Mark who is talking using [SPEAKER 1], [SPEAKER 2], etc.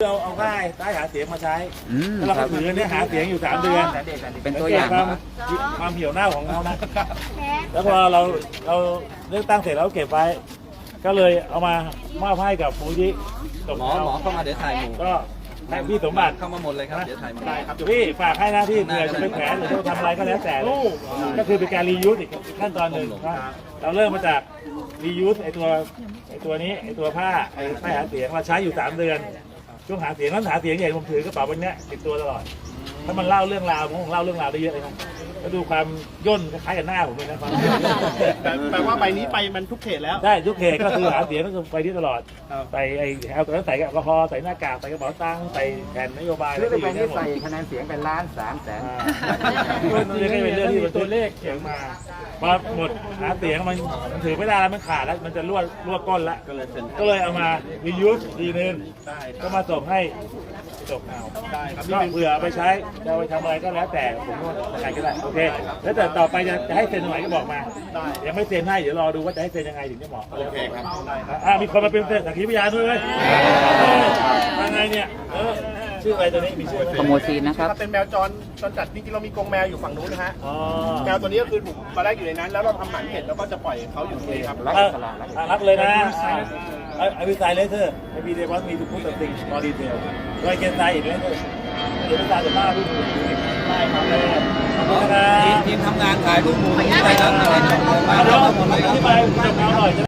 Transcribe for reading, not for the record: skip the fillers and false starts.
[SPEAKER 1] เอาค่ายหาเสียงมาใช้แล้วเราก็ถือเนี่ยหาเสียงอยู่3 เดือน
[SPEAKER 2] เป็นตัวอย่าง
[SPEAKER 1] ความเหี่ยวเน่าของเรานะแล้วพอเราเลือกตั้งเสร็จแล้วเก็บไว้ก็เลยเอามามอบให้กับฟูจิ
[SPEAKER 2] หมอเข้ามาเดี๋ยวถ่ายหมู่
[SPEAKER 1] ก็ให้พี่สมบัติ
[SPEAKER 2] เข้ามาหมดเลยครับเดี๋ยวถ่ายหมู่
[SPEAKER 1] ครับพี่ฝากให้นะที่เผื่อจะเป็นแผลหรือจะทำอะไรก็แล้วแต่ก็คือเป็นการรียูสอีกขั้นตอนหนึ่งเราเริ่มมาจากรียูสไอตัวนี้ไอตัวผ้าไอ้ป้ายหาเสียงเราใช้อยู่3 เดือนช่วงหาเสียงนั้นหาเสียงใหญ่ผมถือกระเป๋าใบนี้ติดตัวตลอดถ้ามันเล่าเรื่องราวผมเล่าเรื่องราวได้เยอะเลยนะแล้วดูความย่นคล้ายกับหน้าผมเลยนะความ
[SPEAKER 3] แปลว่าใบนี้ไปมันทุกเขตแล้ว
[SPEAKER 1] ได้ทุกเขตก็คือหาเสียงก็คือไปที่ตลอดใส่ไอ้เอาตัวนั้นใส่แอลกอฮอล์ใส่หน้ากากใส่กระเป๋าตังค์ใส่แผ่นนโยบาย
[SPEAKER 2] คือใบนี้ใส่คะแนนเสียงเป็น1,300,000
[SPEAKER 1] นี่ก็เป็นเรื่องที่ตัวเลขเขียนมาพอหมดหาเสียงมันถือไม่ได้แล้วมันขาดแล้วมันจะรั่วก้นแล้วก็เลยเอามารียูสทีนึงก็มาส่งให้จบเอาก็เผื่อไปใช้จะไปทำอะไรก็แล้วแต่ผมว่าใครก็ได้โอเคแล้วแต่ต่อไปจะให้เซ็นตรงไหนก็บอกมายังไม่เซ็นให้เดี๋ยวรอดูว่าจะให้เซ็นยังไงถึงจะเหมาะโอเคครับมีคนมาเป็นสักขีพยานด้วยยังไงเนี่ยชื่ออะไรตัวนี้มีชื่อ
[SPEAKER 2] ขโมยซีนนะครับ
[SPEAKER 3] เป็นแมวจรจัดจริงๆเรามีกรงแมวอยู่ฝั่งนู้นนะฮะแมวตัวนี้ก็คือถูกตอนแรกอยู่ในนั้นแล้วเราทำหมันเห็ดแล้วก็จะปล่อยเขาอยู่ตรงนี้ครับ
[SPEAKER 1] รักเลยนะไอวิสัยเลเซอร์ไอพีเดวอนมีทุกสิ่งมอดีเทลรอยเกนไซอีกเลเซอร์เดี๋ยววิสัยจะบ้าพี่ดูได้ครับเลยทีมทำงานถ่ายรูปหมู่ที่ไปแล้วมาแล้วหมดเลยที่ไปจบเอาหน่อย